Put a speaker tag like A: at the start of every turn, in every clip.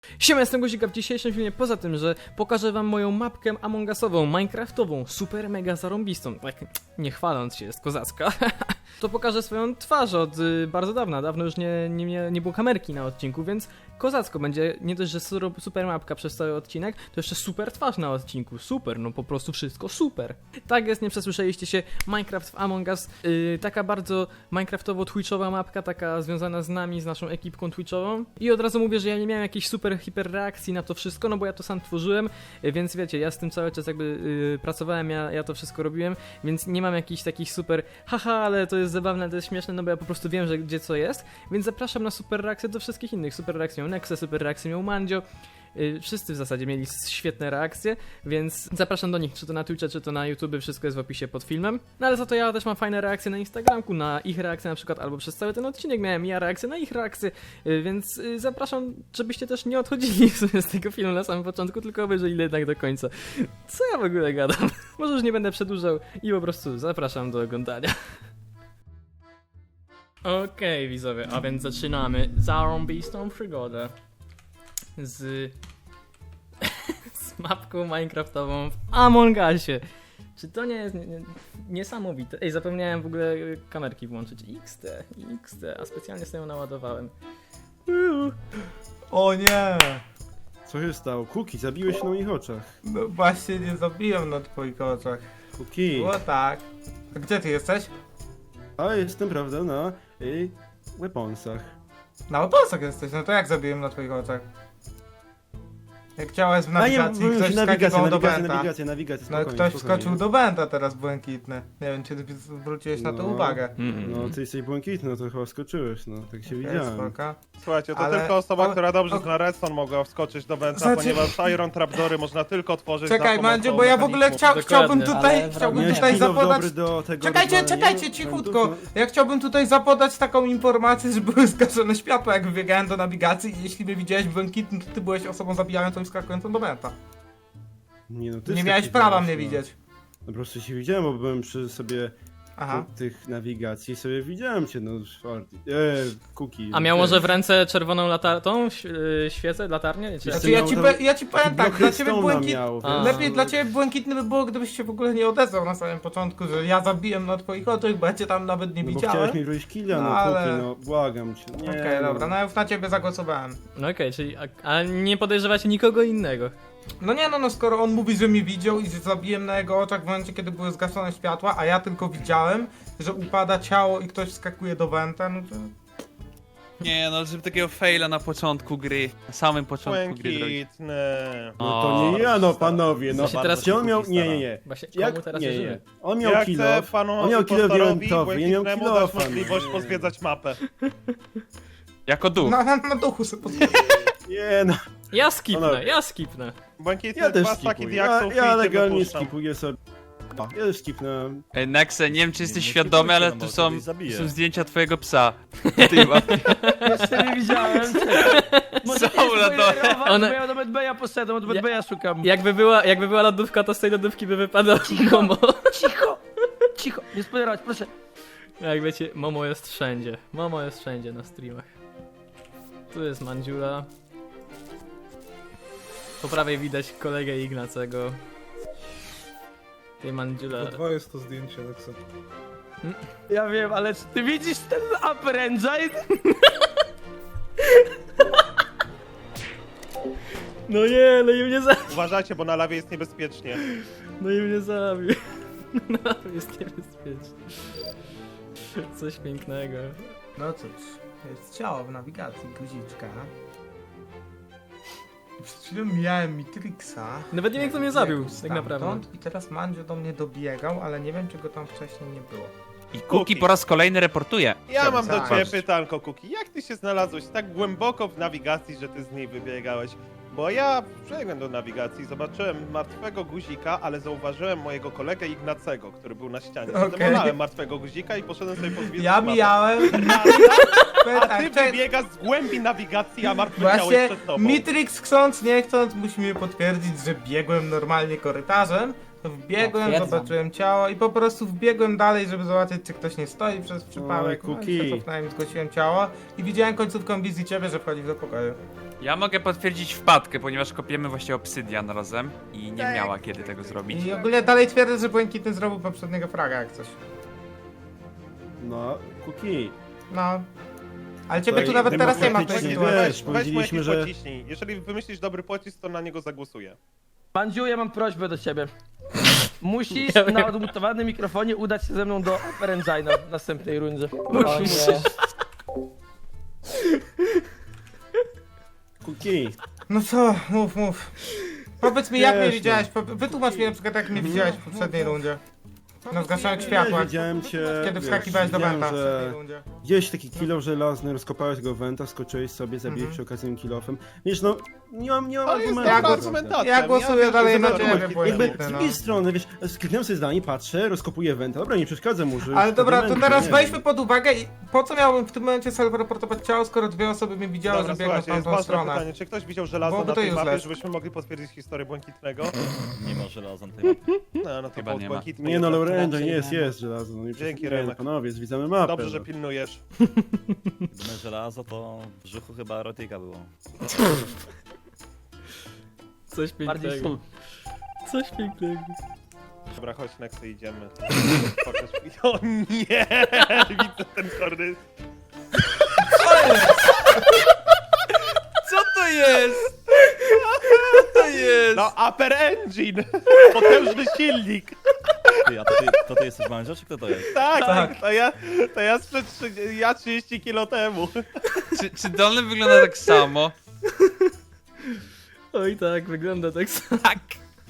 A: Siema, jestem Guzika. W dzisiejszym filmie, poza tym, że pokażę wam moją mapkę Among Usową, minecraftową, super mega zarąbistą, tak nie chwaląc się, jest kozacka, to pokażę swoją twarz od bardzo dawna. Dawno już nie było kamerki na odcinku, więc kozacko będzie. Nie dość, że super mapka przez cały odcinek, to jeszcze super twarz na odcinku. Super, no po prostu wszystko super. Tak jest, nie przesłyszeliście się, Minecraft w Among Us, taka bardzo minecraftowo-twitchowa mapka, taka związana z nami, z naszą ekipką twitchową. I od razu mówię, że ja nie miałem jakiejś super hiper reakcji na to wszystko, no bo ja to sam tworzyłem, więc wiecie, ja z tym cały czas jakby pracowałem, ja to wszystko robiłem, więc nie mam jakichś takich super haha, ale to jest zabawne, to jest śmieszne, no bo ja po prostu wiem, że gdzie co jest, więc zapraszam na super reakcję do wszystkich innych. Super reakcję miał Nexe, super reakcję miał Mandzio. Wszyscy w zasadzie mieli świetne reakcje, więc zapraszam do nich, czy to na Twitcha, czy to na YouTube, wszystko jest w opisie pod filmem. No ale za to ja też mam fajne reakcje na Instagramku, na ich reakcje na przykład, albo przez cały ten odcinek miałem ja reakcję na ich reakcje, więc zapraszam, żebyście też nie odchodzili w sumie z tego filmu na samym początku, tylko obejrzeli jednak do końca. Co ja w ogóle gadam? Może już nie będę przedłużał i po prostu zapraszam do oglądania. Okej, widzowie, a więc zaczynamy zarąbistą przygodę z mapką minecraftową w Among Usie. Czy to nie jest niesamowite? Ej, zapomniałem w ogóle kamerki włączyć. XD, a specjalnie sobie ją naładowałem.
B: O nie!
C: Co się stało? Kuki, zabiłeś się na moich oczach.
B: No właśnie nie zabiłem na twoich oczach.
C: Kuki.
B: Było tak. A gdzie ty jesteś?
C: A jestem, prawda, na weaponsach.
B: Na weaponsach jesteś, no to jak zabiłem na twoich oczach? Jak chciałeś w
C: A
B: nawigacji,
C: nie,
B: ktoś wskakiwał do Benta.
C: nawigacja,
B: No
C: spokojnie,
B: ktoś
C: spokojnie.
B: wskoczył do Benta teraz błękitny. Nie wiem, czy ty zwróciłeś na to
C: No.
B: uwagę.
C: No, ty jesteś błękitny, no to chyba skoczyłeś, no, tak się widziałem.
B: Spoko.
D: Słuchajcie, to
B: Ale-
D: tylko osoba,
B: ale-
D: która dobrze
B: o-
D: zna redstone mogła wskoczyć do Benta,
B: Znaczy-
D: ponieważ Iron Trapdory można tylko tworzyć
B: Czekaj,
D: za
B: Mandziu,
D: pomocą
B: bo ja w ogóle
D: mechanizmu.
B: chciałbym
A: Dokładnie.
B: tutaj, chciałbym
C: Miałeś
B: tutaj
C: kilo
B: zapodać...
C: dobry do tego
B: Czekajcie,
C: rozwalania
B: czekajcie, cichutko.
C: prądów,
B: Ja chciałbym tutaj zapodać taką informację, że były zgaszone światła, jak wybiegałem do nawigacji i jeśli mnie widziałeś błękitny, to ty byłeś osobą zabijającą i skakującą do Benta.
C: no. Nie, no, ty
B: Nie miałeś
C: wskakiwałeś,
B: prawa mnie
C: no.
B: widzieć.
C: No po prostu się widziałem, bo byłem przy sobie
B: Aha.
C: tych nawigacji, sobie widziałem cię, no, Kuki.
A: A miał może w ręce czerwoną świecę, latarnię? Czy...
C: Znaczy,
B: Znaczy ja ci powiem tak, dla ciebie błękit...
A: A.
B: Lepiej dla ciebie błękitny by było, gdybyś się w ogóle nie odezwał na samym początku, że ja zabiłem na twoich oczach, bo ja cię tam nawet nie
C: No bo
B: widziałem.
C: chciałeś mi wrócić killa,
B: No,
C: no,
B: ale-
C: Kuki, no, błagam cię. Nie,
B: Okej,
C: no.
B: dobra, no ja już na ciebie zagłosowałem.
A: No okej, czyli a nie podejrzewacie nikogo innego.
B: No nie no, skoro on mówi, że mnie widział i że zabiłem na jego oczach w momencie, kiedy były zgaszone światła, a ja tylko widziałem, że upada ciało i ktoś wskakuje do Wenta, no to...
E: Nie, no żeby takiego faila na początku gry, na samym początku gry zrobić.
D: Błękitny.
C: No to nie ja, no panowie, no.
A: Co się teraz
C: Gdzie on miał...
D: Kuki
C: Nie, nie, nie.
A: Właśnie
C: Jak?
A: komu teraz
C: Nie,
A: wierzymy?
C: nie. On miał
D: Ja
C: kilo.
D: chcę panu
C: On miał kilo
D: impostorowi
C: diamentowy, ja miał
D: błękitnemu dać
C: kilofa.
D: możliwość pozwiedzać mapę.
E: Jako duch.
B: Na duchu sobie pozwolę.
C: Nie, no.
A: Ja skipnę.
D: Błękitny,
C: Ja też
D: dwa staki
C: skipuję.
D: diaksów
C: Ja
D: i cię
C: legalnie
D: wypuszczam.
C: skipuję sobie. Ja już skipnę.
E: Ej, Nexe, nie wiem czy jesteś
F: nie
E: świadomy, ale
F: skipujcie,
E: tu
F: no,
E: są,
F: bo zabiję.
E: są zdjęcia twojego psa. Ty ma.
F: Jeszcze nie widziałem. Może
E: Są na dole.
A: One-
F: bo ja do Bedbeja poszedłem, od Bedbeja szukam.
A: Jakby była lodówka, to z tej lodówki by wypadał Momo.
F: Cicho, nie spoilerować, proszę.
A: Jak wiecie, Momo jest wszędzie. Momo jest wszędzie na streamach. Tu jest Mandziula. Po prawej widać kolegę Ignacego. Tej Mandziula.
G: Dwa jest to zdjęcie, Nexa.
F: Ja wiem, ale czy ty widzisz ten upper engine?
A: No nie, no i mnie zabił.
D: Uważajcie, bo na lawie jest niebezpiecznie.
A: No i mnie zabił. No jest niebezpieczne. Coś pięknego.
B: No cóż, jest ciało w nawigacji, guziczka. Przed chwilą mijałem Mitrixa.
A: Nawet nie wiem kto mnie zabił,
B: Jakoś
A: tak
B: stamtąd.
A: naprawdę.
B: I teraz Mandzio do mnie dobiegał, ale nie wiem czy go tam wcześniej nie było.
E: I Kuki po raz kolejny reportuje.
D: Ja mam do
B: Tak.
D: ciebie pytanko, Kuki. Jak ty się znalazłeś tak głęboko w nawigacji, że ty z niej wybiegałeś? Bo ja przebiegłem do nawigacji, zobaczyłem martwego guzika, ale zauważyłem mojego kolegę Ignacego, który był na ścianie.
B: Okej.
D: Zdemolałem martwego guzika i poszedłem sobie pozwiedzać
B: Ja
D: mapę.
B: mijałem...
D: A
B: Tak,
D: ty
B: czekaj.
D: wybiegasz z głębi nawigacji, a martwe ciało
B: Właśnie
D: jest przed tobą.
B: Mitrix chcąc, nie chcąc, musi mi potwierdzić, że biegłem normalnie korytarzem. To wbiegłem,
H: Potwierdzam.
B: zobaczyłem ciało i po prostu wbiegłem dalej, żeby zobaczyć, czy ktoś nie stoi przez przypadek.
C: Oj, Kuki.
B: No i się cofnąłem, zgłosiłem ciało i widziałem końcówką wizji ciebie, że wchodzisz do pokoju.
E: Ja mogę potwierdzić wpadkę, ponieważ kopiemy właśnie obsydian razem i nie miała kiedy tego zrobić.
B: I ogólnie dalej twierdzę, że Błękitny zrobił poprzedniego fraga jak coś.
C: No, Kuki.
B: No. Ale ciebie tu
C: Tutaj
B: nawet teraz nie ma w tej
C: demokratycznie,
B: sytuacji.
C: wiesz,
D: Weź mu
C: powiedzieliśmy,
D: jakiś
C: że-
D: pociśnij. Jeżeli wymyślisz dobry pocisk, to na niego zagłosuję.
F: Mandziu, ja mam prośbę do ciebie. Musisz na odmutowanym mikrofonie udać się ze mną do Upper Engine w następnej rundzie.
G: O nie.
C: Kuki.
B: No co, mów. Powiedz mi jak mnie
C: Wiesz,
B: widziałeś, wytłumacz mi na przykład jak mnie widziałeś w poprzedniej rundzie. Na zgaszonych światłach.
C: Widziałem cię,
B: Kiedy
C: wiesz,
B: wskakiwałeś do
C: widziałem,
B: węta w poprzedniej
C: że
B: rundzie.
C: gdzieś taki kilo żelazny, rozkopałeś go węta, skoczyłeś sobie, zabiłeś przy okazji tym kilofem. Wiesz, no, nie mam
D: To jest
C: argumentu.
D: dobra
B: Ja
D: argumentacja.
B: Ja głosuję
D: wiem,
B: dalej
D: że
B: na
D: to
B: ciebie,
D: Błękitny.
C: Jakby
B: Błękitny,
C: z
B: no.
C: drugiej strony, wiesz, skliknąłem sobie zdanie, patrzę, rozkopuję węta, dobra, nie przeszkadza mu, że...
B: Ale dobra, to
C: diamenty,
B: teraz
C: nie
B: weźmy
C: wiem.
B: pod uwagę, po co miałbym w tym momencie self-reportować ciało, skoro dwie osoby mnie widziały,
D: Dobra,
B: że biegną w
D: słuchajcie, jest
B: tamtą
D: ważne
B: stronę.
D: pytanie. Czy ktoś widział żelazo
B: Byłoby
D: na
B: to
D: tej mapie,
B: useless.
D: żebyśmy mogli potwierdzić historię Błękitnego?
G: Nie ma żelaza na tej mapie.
D: No to
E: Chyba
D: był
E: nie ma.
D: Błękitny.
C: Nie no,
D: jednak.
C: Lorenzo,
G: raczej
C: jest,
G: nie.
C: jest żelazo, no nie
D: Dzięki,
C: przesadzajmy,
D: Remek.
C: panowie, zwiedzamy mapę.
D: Dobrze, że
C: no.
D: pilnujesz.
G: Gdyby żelazo, to w brzuchu chyba erotyka było.
A: Coś
F: Bardziej
A: pięknego.
F: sól.
A: Coś pięknego.
D: Dobra, chodź, Nexy, idziemy. Pokaż mi. O nie! Widzę ten korny.
E: Co to jest? Co to jest?
D: No, Upper Engine! Potężny silnik!
G: Ty, a to ty jesteś męża, czy kto to jest?
D: Tak, to ja sprzed 30 kilo temu.
E: Czy dolny wygląda tak samo?
A: Oj tak, wygląda tak samo.
E: Tak.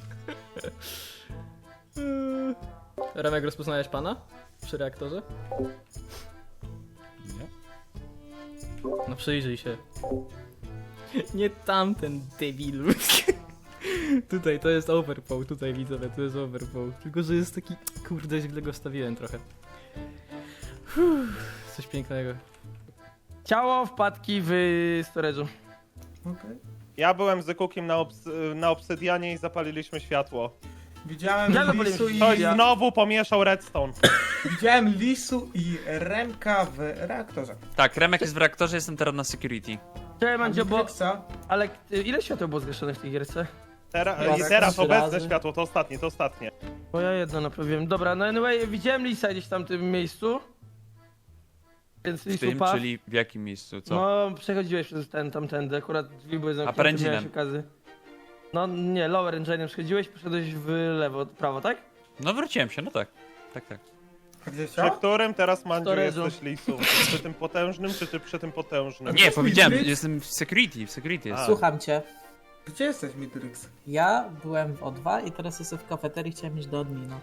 A: Remek, rozpoznajesz pana? Przy reaktorze?
G: Nie?
A: No przyjrzyj się. Nie tamten debilu. Tutaj to jest overpow, tutaj widzowie, to jest overpow. Tylko, że jest taki... Kurde, źle go wstawiłem trochę. Coś pięknego.
F: Ciało wpadki w storage'u.
B: Okej.
D: Ja byłem z Cookiem na obsydianie i zapaliliśmy światło.
B: Widziałem
F: Ja
B: Lisu
F: zapaliłem.
B: i...
D: Ktoś znowu pomieszał redstone.
B: Widziałem Lisu i Remka w reaktorze.
E: Tak, Remek jest w reaktorze, jestem teraz na security.
F: Cześć Mandzio, bo...
B: Matrixa.
F: Ale ile świateł było zgaszonych w tej gierce?
D: I
B: Tak,
D: teraz
G: trzy
D: obecne
G: razy.
D: światło, to ostatnie, to ostatnie.
F: Bo ja jedno naprawiłem. Dobra, no anyway, widziałem Lisa gdzieś tam w tym miejscu. Więc
E: W
F: Lisu
E: tym,
F: padł.
E: czyli w jakim miejscu, co?
F: No, przechodziłeś przez tamtędy, akurat drzwi były zamknięte,
E: Upper
F: miałeś
E: Engine'em.
F: okazję. No nie, Lower Engine'em przechodziłeś, poszedłeś w lewo, prawo, tak?
E: No wróciłem się, no tak. Tak.
B: A gdzie
D: Przy
B: się?
D: którym teraz Mandziu
F: Storage'u.
D: jesteś Lisu? Przy tym potężnym, czy ty przy tym potężnym?
E: Nie, powiedziałem,
B: Mitrix?
E: jestem w security jest.
D: A.
G: Słucham cię.
B: Gdzie jesteś, Mitrix?
G: Ja byłem w O2 i teraz jestem w kafeterii, chciałem iść do admina.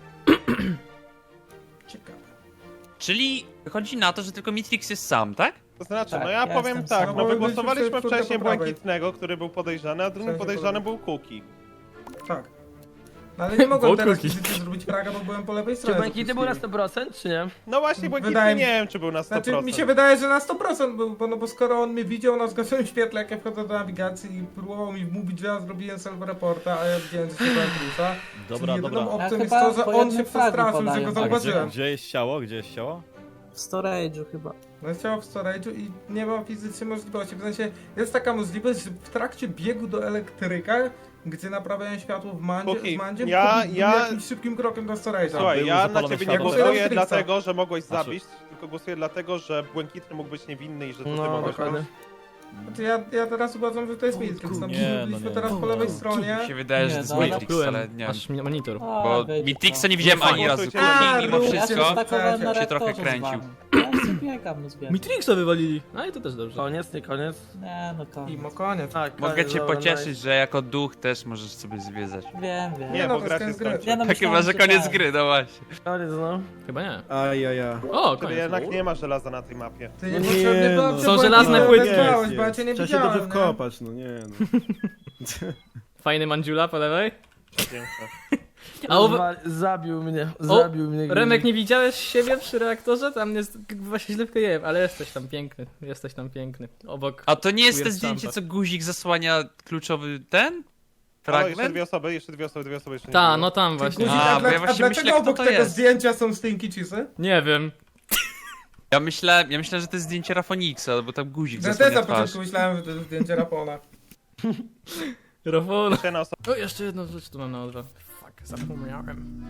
B: Ciekawe.
E: Czyli chodzi na to, że tylko Mitrix jest sam, tak?
D: To znaczy,
G: Tak,
D: no ja
G: ja
D: powiem
G: jestem
D: tak,
G: sam.
D: no
B: No,
D: wygłosowaliśmy
B: byliśmy
D: wcześniej
B: po prawej.
D: Błękitnego, który był podejrzany, a drugim
B: W sensie
D: podejrzany
B: po
D: był Kuki.
B: Tak. No ale nie mogłem teraz
A: Wokół
B: fizycznie zrobić fraga, bo byłem po lewej
F: Czy
B: stronie.
F: Błękity był na 100%, czy nie?
D: No właśnie, Błękitny
B: Wydaje mi-
D: nie wiem, czy był na 100%.
B: Znaczy mi się wydaje, że na 100% był, bo skoro on mnie widział na zgaszonym świetle, jak ja wchodzę do nawigacji i próbował mi wmówić, że ja zrobiłem self-reporta, a ja widziałem, że się byłem plusa.
G: Dobra,
B: Jedyną
G: dobra.
B: opcją
G: Ja
B: jest
G: chyba
B: to, że
G: po
B: on
G: jednym
B: się
G: fragu
B: przestraszył, że
G: podają.
B: go
G: A gdzie-
B: zauważyłem.
G: Gdzie jest ciało? Gdzie jest ciało? W storage'u chyba.
B: No jest ciało w storage'u i nie ma fizycznie możliwości. W sensie jest taka możliwość, że w trakcie biegu do elektryka, gdzie naprawiają światło w Mandzie,
D: Kuki,
B: z Mandzie,
D: ja-
B: jakimś szybkim krokiem do storage'a.
D: Słuchaj,
G: były
D: ja na
G: zapalone
D: ciebie nie
G: światła.
D: głosuję
B: Matrixa.
D: dlatego, że mogłeś
G: Znaczy-
D: zabić, tylko głosuję dlatego, że Błękitny mógł być niewinny i że to ty
F: No,
D: mogłeś
F: dokładnie.
D: robić.
B: Znaczy ja teraz uważam, że to jest Matrix. No,
G: Nie,
B: byliśmy
G: no nie.
B: teraz po lewej stronie.
E: Mi się wydaje, że to jest
G: Nie, no,
E: Matrix,
A: Plułem,
E: ale nie wiem.
A: aż mi monitor.
G: A,
E: Bo
G: wyjdzie
E: Mitrixa
G: to.
E: nie widziałem ani razu.
D: głosujcie
E: Kuki
B: na-
E: mimo
B: A,
G: Ja
E: wszystko
G: się stakowałem na
E: się trochę
G: reaktorze z
E: kręcił.
G: wami. Ja sobie biegam, no zbiegam.
A: Mitrixa wywalili. A i to też dobrze.
F: Koniec, nie koniec.
G: Nie, no koniec.
B: Imo, koniec.
F: Tak,
E: Mogę
F: koniec,
E: cię
F: dobra,
E: pocieszyć,
F: nice.
E: że jako duch też możesz sobie zwiedzać.
G: Wiem.
D: Nie,
B: no,
D: bo
B: to
D: gra
B: jest
D: się
B: koniec gry.
D: skończy.
G: Ja no
E: Tak chyba,
G: myślałem,
E: że koniec
G: tak.
E: gry, no właśnie.
F: Koniec, no.
A: Chyba nie.
C: Ajaja.
A: O,
D: Czyli
A: koniec.
D: jednak nie ma żelaza na tej mapie.
B: Ty
C: No
B: niepotrzebnie
C: nie,
B: była
C: no.
A: Są żelazne płytki.
B: Odezwałeś, bo ja cię nie
C: Trzeba się
B: widziałem,
C: dobrze
B: nie?
C: wkopać, no nie no.
A: Fajny mandziula po lewej.
D: Piękne.
A: A u...
F: Zabił mnie,
A: O,
F: zabił mnie.
A: Remek, nie widziałeś siebie przy reaktorze? Tam jest właśnie źle wkleiłem, ale jesteś tam piękny. Jesteś tam piękny. Obok.
E: A to nie jest to
A: Weird
E: zdjęcie,
A: Stampa.
E: co guzik zasłania kluczowy ten?
D: O, jeszcze
E: Fragment?
D: dwie osoby jeszcze nie
A: Ta,
D: było.
A: no tam właśnie.
B: Guzik,
E: A,
B: a,
E: bo ja
B: a
E: właśnie
B: dlaczego
E: myślę, kto
B: obok
E: to
B: tego
E: jest.
B: zdjęcia są stinky cheesy?
A: Nie wiem.
E: Ja myślę, że to jest zdjęcie Rafoniksa, bo tam guzik
B: Ja też
E: zasłania
B: na
E: twarz.
B: początku myślałem, że to jest zdjęcie Rapona.
A: Rafał.
D: Jeszcze jedna osoba.
A: O, jeszcze jedną rzecz tu mam na odwrót. Fuck, zapomniałem.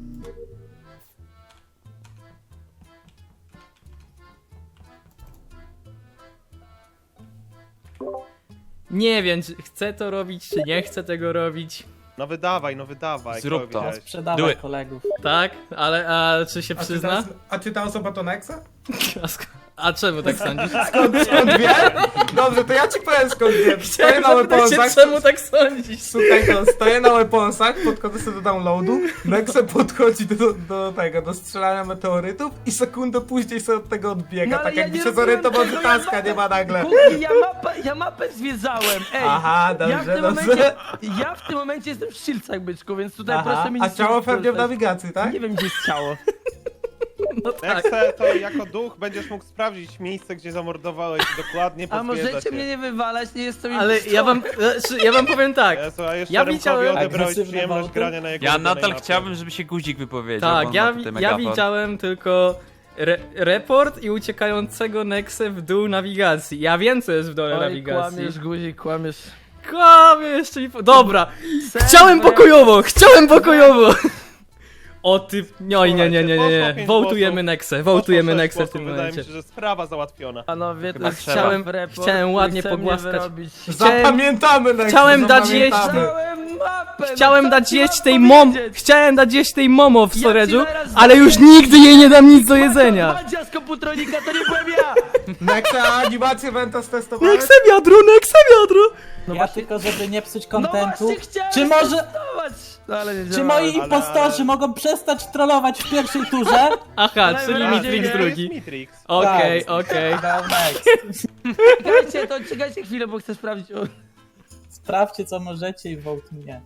A: Nie wiem, czy chcę to robić, czy nie chcę tego robić.
D: No wydawaj, no wydawaj.
E: Zrób
D: kogo
E: to.
D: widziałeś?
E: Do
H: Sprzedawaj
E: it.
H: kolegów.
A: Tak? Ale, a czy się przyzna?
B: A czy ta osoba to Nexa?
A: A czemu tak sądzisz?
B: Skąd wie? Dobrze, to ja ci powiem skąd wiem. Stoję
A: Chciałem
B: na
A: zapytać się,
B: weaponsach.
A: czemu tak sądzisz?
B: Słuchaj, to stoję na weaponsach, podchodzę sobie do downloadu, Nexe podchodzi do strzelania meteorytów i sekundę później sobie od tego odbiega,
F: No, ale
B: tak
F: ja
B: jakby
F: nie
B: się
F: robiłem
B: zorientował, że
F: tego,
B: taska nie ma nagle.
F: Kuki, ja mapę zwiedzałem, ej!
B: Aha,
F: Ja w,
B: dobrze,
F: tym
B: dobrze.
F: momencie, ja w tym momencie jestem w Szylcach, byczku, więc tutaj
B: Aha,
F: proszę mi
B: a
F: nic
B: ciało
F: nie
B: pewnie w
F: korzystać.
B: nawigacji, tak?
F: Nie wiem, gdzie jest ciało.
A: No tak.
D: Jak chcę, to jako duch będziesz mógł sprawdzić miejsce, gdzie zamordowałeś i dokładnie
F: A
D: pozwiedzać
F: możecie
D: je.
F: mnie nie wywalać, nie jestem
A: Ale ja wam powiem tak.
D: Jezu, a jeszcze
A: Ja
D: Remkowi
A: widziałem-
D: odebrałeś
H: Agresywne
D: przyjemność
H: bałty?
D: grania na jego
E: Ja
D: ulubionej
E: nadal
D: mapie.
E: chciałbym, żeby się guzik wypowiedział. bo
A: Tak,
E: on
A: ja,
E: ma tutaj
A: ja
E: megafon.
A: widziałem tylko report i uciekającego Nexę w dół nawigacji. Ja wiem, co jest w dole
F: Oj,
A: nawigacji.
F: kłamiesz, guzik, kłamiesz.
A: Kłamie jeszcze mi... Dobra,
F: Serwer.
A: chciałem pokojowo! O ty... Nie.
D: Poszło 5
A: Wołtujemy
D: głosów.
A: Nexę, wołtujemy
D: Poszło 6
A: Nexę w
D: głosów,
A: tym
D: Wydaje mi
A: momencie.
D: się, że sprawa załatwiona.
F: Panowie, to
E: Chyba
F: jest
E: trzeba.
F: chciałem report.
A: Chciałem ładnie
F: i chce mnie
A: pogłaskać.
F: wyrobić.
B: Zapamiętamy Nexe,
A: Chciałem dać jeść-
B: zapamiętamy.
F: Chciałem mapę!
A: Chciałem
F: no,
A: dać
F: co
A: jeść
F: ci
A: tej
F: mam powiedzieć?
A: Chciałem dać jeść tej momo w
F: Ja
A: storage'u,
F: ci zaraz
A: ale już
F: daję-
A: nigdy jej nie dam nic do jedzenia.
F: Madzia z komputronika, to nie byłem ja!
B: Nexe, a animację Venta stestowałeś?
A: Nexe wiadro!
F: No
H: Ja
F: właśnie,
H: tylko, żeby nie psuć
F: no
H: kontentu.
F: właśnie chciałem
H: Czy może-
F: testować, no ale nie
H: Czy
F: działało.
H: moi impostorzy mogą przestać trollować w pierwszej turze?
A: Aha,
F: Ale
A: czyli
F: wyraźnie
A: Mitrix
F: nie
A: drugi.
D: Jest Mitrix.
A: Okej,
H: Tak.
A: okej.
H: Go next.
F: Czekajcie chwilę, bo chcę sprawdzić. O,
H: Sprawdźcie co możecie i vote mnie.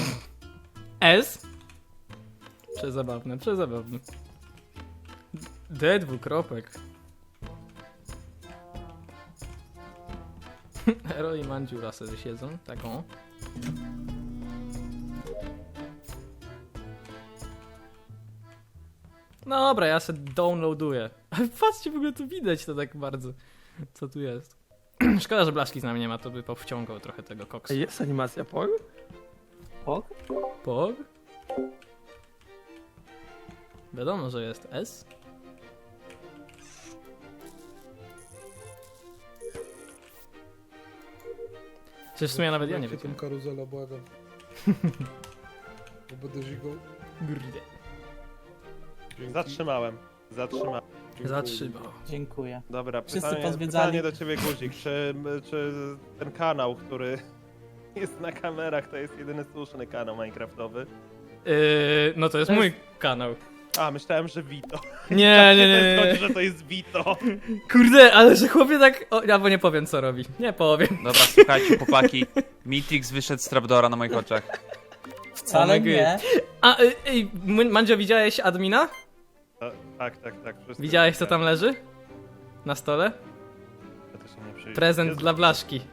A: S? Przezabawne. D dwukropek. Hero i Mandziura sobie siedzą, taką. No dobra, ja se downloaduję. Ale patrzcie, w ogóle tu widać to tak bardzo. Co tu jest? Szkoda, że Blaszki z nami nie ma, to by powciągał trochę tego koksu.
F: jest animacja POG?
H: Pog?
A: Pog? Wiadomo, że jest S. Przecież w sumie nawet ja nie wiem.
I: Tą karuzelę, błagam. Bo będę żigał.
A: Kurde.
D: Zatrzymałem.
A: Zatrzymał.
H: Dziękuję.
D: Dobra,
H: Wszyscy pozwiedzali.
D: pytanie do ciebie, Guzik. Czy ten kanał, który jest na kamerach, to jest jedyny słuszny kanał minecraftowy?
A: No to jest mój kanał.
D: A, myślałem, że Vito.
A: Nie.
D: Zgodzi, że to jest Vito.
A: Kurde, ale że chłopie tak... O, albo nie powiem co robi. Nie powiem.
E: Dobra, słuchajcie, chłopaki. Mitrix wyszedł z trapdora na moich oczach.
H: Wcale
A: Oh my
H: nie.
A: A, Mandzio, widziałeś admina?
D: Tak. Wszyscy
A: Widziałeś co tam
D: widziałem.
A: leży? Na stole?
D: Ja to się nie przyjrzę.
A: Prezent
D: Jezu,
A: dla Blaszki.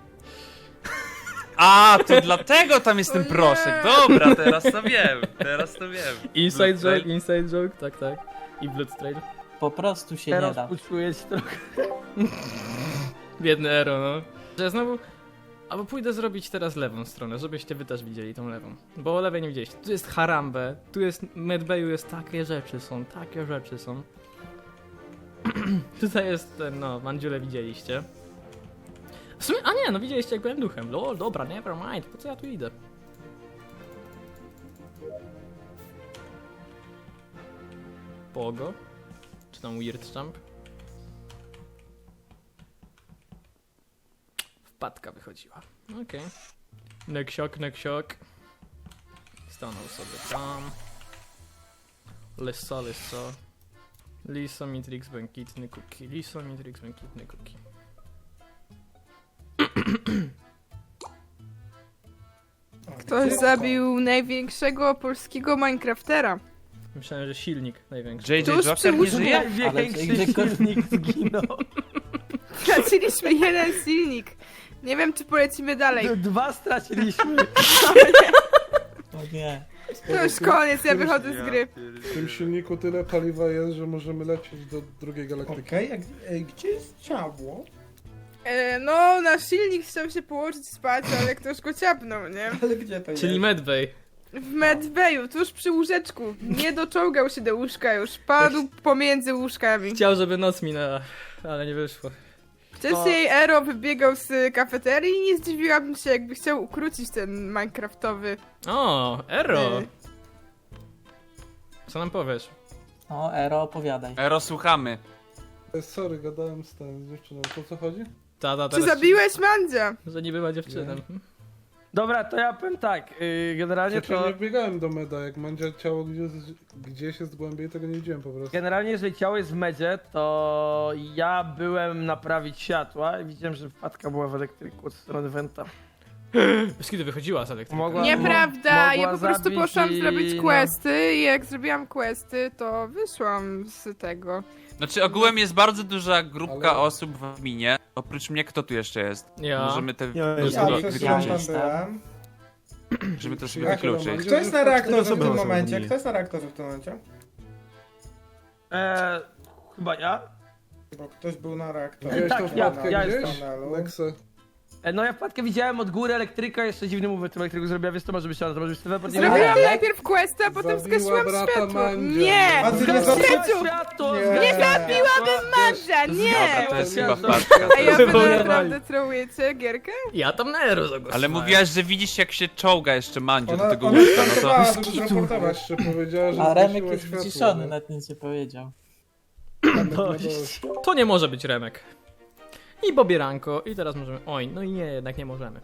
E: A, to dlatego tam jest ten proszek. Dobra, teraz to wiem.
A: Inside
E: Bloodtrail.
A: joke, tak. I Bloodtrail.
H: Po prostu się nie
F: Teraz
H: da.
F: uczuję się trochę.
A: Biedny Ero, no. Że znowu... Albo pójdę zrobić teraz lewą stronę, żebyście wy też widzieli tą lewą. Bo o lewej nie widzieliście. Tu jest Harambe, tu jest Medbayu, jest takie rzeczy są. Tutaj jest ten, no, Mandziule widzieliście. W sumie, a nie, no widzieliście jak byłem duchem. Lol, dobra, never mind, po co ja tu idę? Pogo? Czy tam Weird Jump? Wpadka wychodziła. Okej. Neksiok. Stanął sobie tam. Lissa. Lisa, Mitrix, błękitny cookie.
J: Ktoś zabił największego polskiego Minecraftera.
A: Myślałem, że silnik największy.
E: JJ
J: Tuż
E: Joker
J: przy
E: nie
J: łóżku.
E: żyje?
F: Największy
H: Ale-
F: silnik zginął.
J: Straciliśmy jeden silnik. Nie wiem, czy polecimy dalej.
F: 2 straciliśmy.
H: O nie.
J: To już koniec, ja wychodzę z gry.
I: W tym silniku tyle paliwa jest, że możemy lecieć do drugiej galaktyki.
B: Okej, gdzie jest ciało?
J: No, na silnik chciał się położyć spać, ale ktoś go ciapnął, nie?
B: Ale gdzie to
A: Czyli
B: jest?
A: Medbay.
J: W medbayu, tuż przy łóżeczku. Nie doczołgał się do łóżka już, padł pomiędzy łóżkami.
A: Chciał, żeby noc minęła, ale nie wyszło.
J: Wcześniej Ero wybiegał z kafeterii i nie zdziwiłabym się, jakby chciał ukrócić ten minecraftowy.
A: O, Ero!
J: y,
A: Co nam powiesz?
H: No, Ero, opowiadaj.
E: Ero, słuchamy.
I: Sorry, gadałem z dziewczyną. Po co chodzi?
A: Tata
J: Czy
A: teraz...
J: zabiłeś Mandzia?
A: Że nie była dziewczyną.
F: Dobra, to ja powiem tak, generalnie
I: Znaczy,
F: to...
I: nie wbiegałem do meda, jak Mandzia ciało gdzieś jest głębiej, tego nie widziałem po prostu.
F: Generalnie, jeżeli ciało jest w medzie, to ja byłem naprawić światła i widziałem, że wpadka była w elektryku od strony Wenta.
A: Bez kiedy wychodziła z elektryka.
F: Mogła-
J: Nieprawda, ja
F: mogła
J: po prostu
F: zabić
J: poszłam
F: i
J: zrobić
F: no.
J: questy i jak zrobiłam questy, to wyszłam z tego.
E: Znaczy ogółem jest bardzo duża grupka
I: Ale-
E: osób w adminie. Oprócz mnie, kto tu jeszcze jest?
A: Ja.
E: Możemy te
C: Ja
E: to
C: jestem.
E: sobie
B: Ja przez chwilę
E: wykluczyć.
B: tam byłem.
E: Możemy to sobie
I: Jak
E: wykluczyć.
I: Roman?
B: Kto jest na reaktorze w
C: osoby
B: tym
C: są
B: momencie?
C: w niej.
B: Kto jest na reaktorze w tym momencie?
F: Chyba ja?
B: Bo ktoś był na reaktorze.
I: Widziałeś
F: tak,
I: tą
F: ja
I: wpadkę
F: jestem.
I: gdzieś? Nexe.
F: No ja wpadkę widziałem od góry elektryka, jeszcze dziwny move w tym elektryku zrobiła, więc to może być ona, to może być teleport. nie wiem.
J: Zrobiłam najpierw questy, a potem
I: Zabiła
J: zgasiłam
I: brata
J: światło.
I: Mandzia.
J: Nie!
B: A ty nie
F: Zgasiła
J: Świeciu!
F: światło!
B: Nie.
F: zgasiła
B: Nie
F: światło!
J: Mandzia,
E: Dobra,
J: nie!
E: to jest chyba
F: Światło.
E: wpadka.
J: Ej, a wy
A: Wywoływali.
J: naprawdę trołujecie gierkę?
A: Ja tam na Ero zagłosowałem.
E: Ale mówiłaś, że widzisz jak się czołga jeszcze Mandzio do
B: Ona,
E: tego
B: ona
E: łóżka, no to...
B: startowała, żeby zraportować.
I: Jeszcze powiedziała, że
H: A Remek
I: zgasiła
H: jest
I: światło,
H: wyciszony,
I: nie?
H: nawet nic nie powiedział.
I: Remek ma dość.
A: To nie może być Remek. I pobieranko. I teraz możemy... Oj, no i nie, jednak nie możemy.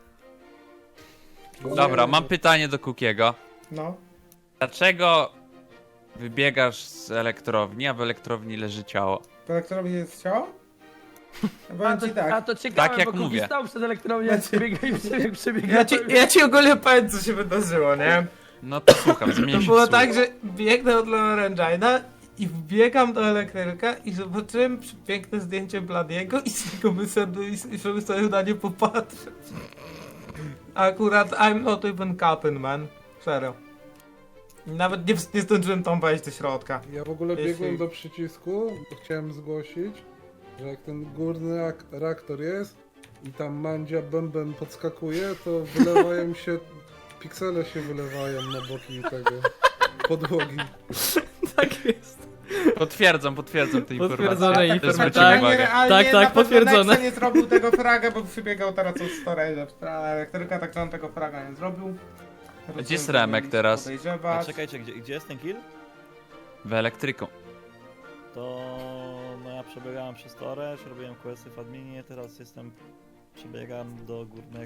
E: Dobra, mam pytanie do Kukiego.
B: No.
E: Dlaczego wybiegasz z elektrowni, a w elektrowni leży ciało?
B: Kolektorowi jest ciało? Ja
F: A
B: powiem
F: to,
B: ci tak.
F: a to ciekawe,
E: Tak jak
F: bo Kuki
E: mówię.
F: stał przed elektrownią, jak przebiega i przebiega.
B: Ja ci ogólnie powiem, co się wydarzyło, nie?
E: No to słucham, zmienię
B: To
E: się
B: było
E: w słuch.
B: tak, że biegnę od Lorenjaina i wbiegam do elektryka i zobaczyłem piękne zdjęcie Bladiego i z niego wyszedłem i żeby sobie na nie popatrzeć. Akurat I'm not even capping, man. Serio. Nawet nie zdążyłem tam wejść do środka.
I: Ja w ogóle
B: Jeśli-
I: biegłem do przycisku, bo chciałem zgłosić, że jak ten górny reaktor jest i tam Mandzia bęben podskakuje, to wylewają się, piksele się wylewają na boki tego podłogi.
A: Tak jest.
E: Potwierdzam te informacje.
A: Potwierdzone
E: To
A: informacje,
E: zwróćcie
A: tak.
E: uwagę.
B: realnie
A: Tak,
B: na
A: tak,
B: pewno
A: potwierdzone.
B: Nexa nie zrobił tego fraga, bo przybiegał teraz od storage'a w stronę elektryka, tak że on tego fraga nie zrobił.
E: Gdzie jest Remek teraz?
G: A
B: Podejrzewać.
G: czekajcie, gdzie jest ten kill?
E: W elektryku.
G: To no ja przebiegałem przez storage, robiłem questy w adminie, teraz przebiegam do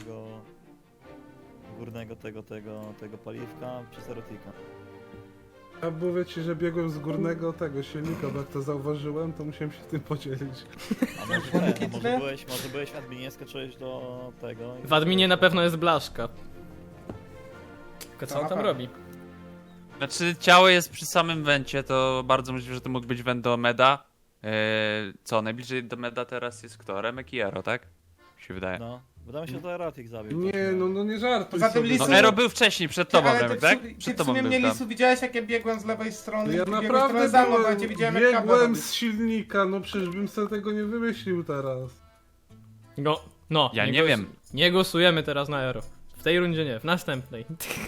G: górnego tego paliwka przez erotika.
I: Ja mówię ci, że biegłem z górnego tego silnika, bo jak to zauważyłem, to musiałem się tym podzielić.
G: A może nie, może byłeś w adminie, skoczyłeś do tego... i-
A: W adminie na pewno jest Blaszka. Tylko co
B: To
A: on
B: na
A: tam
B: pewno.
A: robi?
E: Znaczy ciało jest przy samym wencie, to bardzo możliwe, że to mógł być went do Meda. Co, najbliżej do Meda teraz jest kto? Remek i Ero, tak? Mi się wydaje.
G: No, wydaje mi się, że to erotik zabił.
I: Nie, no nie żartuj
B: Poza tym
I: sobie.
E: No
B: Lisu-
E: Ero był wcześniej, przed tobą
B: Ale
E: Remek,
B: ty,
E: tak?
B: ty
E: Przed
B: w
E: tobą
B: sumie
E: był
B: mnie
E: tam.
B: Lisu widziałeś, jak ja biegłem z lewej strony
I: Ja
B: i ty biegłeś
I: naprawdę
B: trochę za mną, bo ja cię
I: byłem,
B: widziałem jak kabla
I: biegłem
B: robisz.
I: z silnika, no przecież bym sobie tego nie wymyślił teraz.
A: No,
E: Ja nie wiem.
A: Nie głosujemy teraz na Ero. W tej rundzie nie, w następnej.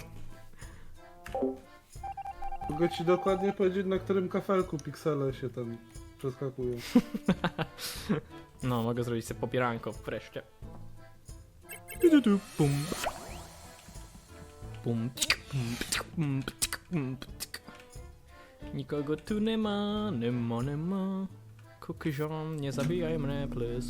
I: Mogę ci dokładnie powiedzieć, na którym kafelku piksele się tam przeskakują.
A: No, mogę zrobić sobie popieranko wreszcie. Bum. Bum. Bum. Bum. Nikogo tu nie ma, nie ma, nie ma. Kukiziom, nie zabijaj mnie, please.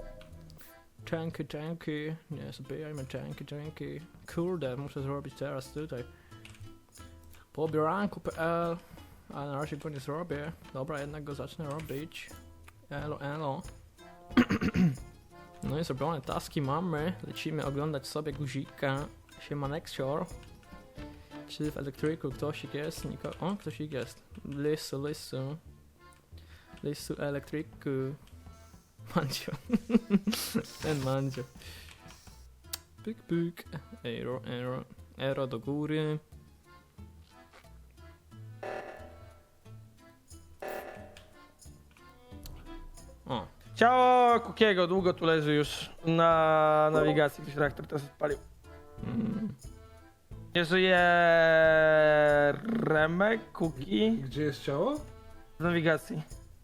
A: Dzięki, nie zabijaj mnie, dzięki. Kurde, muszę zrobić teraz tutaj. Pobieranko.pl, ale na razie go nie zrobię. Dobra, jednak go zacznę robić. Elo. No i zrobione taski mamy. Lecimy oglądać sobie guzika. Siema Nexior. Czy w elektryku ktoś jest? O, ktoś jest. Lisu elektryku. Mandzio. Ten Mandzio. Pyk. Ero do góry. O,
F: Ciało Kukiego długo tu leży już na nawigacji, ktoś reaktor teraz odpalił. Nie żyje Remek, Kuki
I: Gdzie jest ciało?
F: w nawigacji.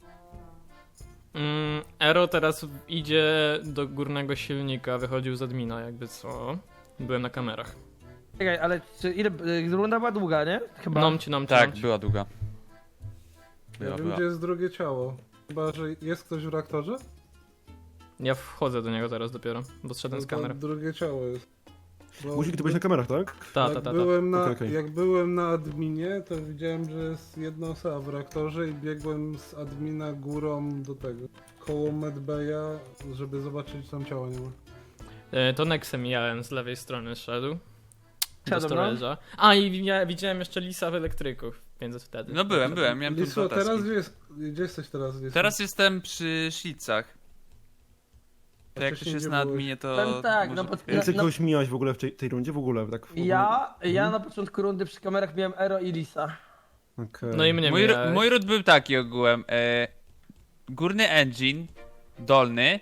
A: Ero teraz idzie do górnego silnika, wychodził z admina, jakby co. Byłem na kamerach.
F: Czekaj, ale czy ile, runda była długa, nie? Chyba.
A: Nomci.
E: Tak, była długa.
I: Ja wiem, gdzie jest drugie ciało. Chyba, że jest ktoś w reaktorze?
A: Ja wchodzę do niego teraz dopiero, bo zszedłem z
I: No to
A: kamer.
I: drugie ciało jest. Bo
C: Guzik, ty byłeś na kamerach, tak?
A: Ta.
I: Jak byłem na adminie, to widziałem, że jest jedna osoba w reaktorze i biegłem z admina górą do tego. Koło medbaya, żeby zobaczyć, czy tam ciała nie ma.
A: To Nexem mijałem, z lewej strony szedł. Do
F: Siadam, no.
A: storage'a. A i widziałem jeszcze Lisa w elektryku, więc wtedy.
E: No byłem, miałem tu
I: Liso,
E: dwa
I: teraz
E: taski.
I: gdzie jesteś teraz? Liso?
E: Teraz jestem przy Szlicach. To jak ktoś
I: wcześniej
E: jest
I: gdzie
E: na
I: byłeś?
E: adminie, to
F: Powiem tak,
E: może...
F: no pod-
C: Czy ty kogoś mijałeś w ogóle w tej rundzie? W ogóle, tak?
F: Ja na początku rundy przy kamerach miałem Ero i Lisa.
C: Okej.
A: No i mnie mijałeś.
E: Mój root był taki ogółem. Górny engine, dolny,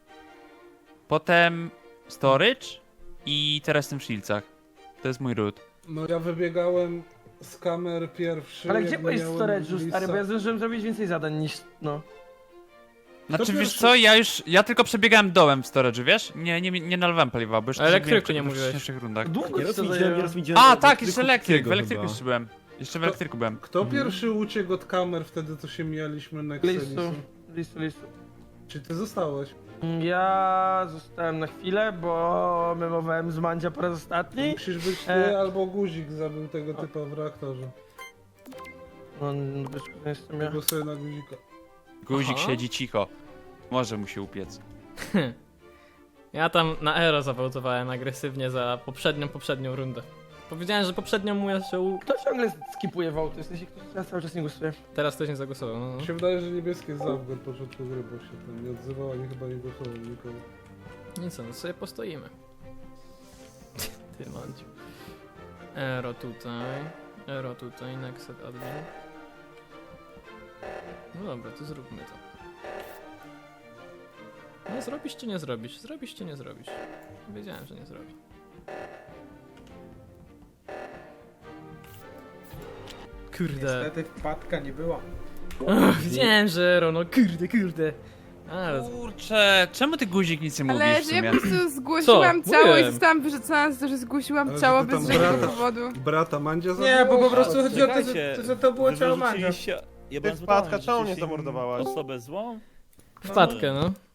E: potem storage i teraz jestem w Szlicach. To jest mój root.
I: No ja wybiegałem z kamer pierwszy.
F: Ale
I: jak
F: gdzie byłeś w
I: miałem
F: storage'u,
I: Lisa.
F: stary, bo ja zdążyłem zrobić więcej zadań niż, no.
E: Znaczy wiesz
I: pierwszy?
E: co, ja tylko przebiegałem dołem w storage'u, wiesz? Nie nalewałem paliwa, bo już
A: A elektryku
E: przebiegłem
A: nie
E: w
A: mówiłeś.
E: wcześniejszych rundach.
F: Długo
C: Nieraz
F: ci to
C: widziałem,
F: zajęło.
C: nieraz widziałem...
E: A tak, jeszcze elektryk, w
C: Kukiego
E: elektryku
C: chyba.
E: jeszcze byłem. Jeszcze w elektryku byłem.
I: Kto pierwszy uciekł od kamer wtedy, to się mijaliśmy na
F: Lisu.
I: Czy ty zostałeś?
F: Ja zostałem na chwilę, bo memowałem z Mandzia po raz ostatni.
I: Musisz być ty albo Guzik zabił tego typa w reaktorze.
F: No, wiesz, to jestem ja.
I: Głosuję na Guzika.
E: Guzik
A: Aha.
E: siedzi cicho. Może mu się upiec.
A: Ja tam na Ero zawołtowałem agresywnie za poprzednią rundę. Powiedziałem, że poprzednią mu jeszcze
F: Kto ciągle skipuje wołty? W sensie, ktoś cały czas nie głosuje.
A: Teraz ktoś nie zagłosował. No.
I: Mi się wydaje, że niebieskie jest zawód od początku gry, bo się tam nie odzywał, ani chyba nie głosował nikogo.
A: Nic, no sobie postoimy. Ty Mandziu. Ero tutaj, Nexet admin. No dobra, to zróbmy to. No zrobisz czy nie zrobisz? Zrobisz czy nie zrobisz? Wiedziałem, że nie zrobi. Kurde.
B: wpadka nie była.
A: Wiedziałem, że Ero, no kurde. Ale...
E: Kurczę, czemu ty Guzik nic nie mówisz
J: Ale
E: w
J: że ja
E: sumie?
J: po prostu zgłosiłam
A: Co?
J: ciało i
A: Mówiłem.
J: zostałam wyrzucona za to, że zgłosiłam
I: Ale
J: ciało
I: że ty
J: bez
I: tam
J: żadnego
I: brata-
J: powodu.
I: Brata Mandzia zabił?
B: Nie, bo po prostu chodzi o to,
G: Czekajcie,
B: że to było
G: wy
B: ciało Mandzia.
G: wyrzuciliście- Ja byłem
D: Wpadka,
G: zbudowany,
D: czemu mnie
G: wyrzuciliście
D: zamordowałaś?
G: Osobę złą?
A: Wpadkę, no.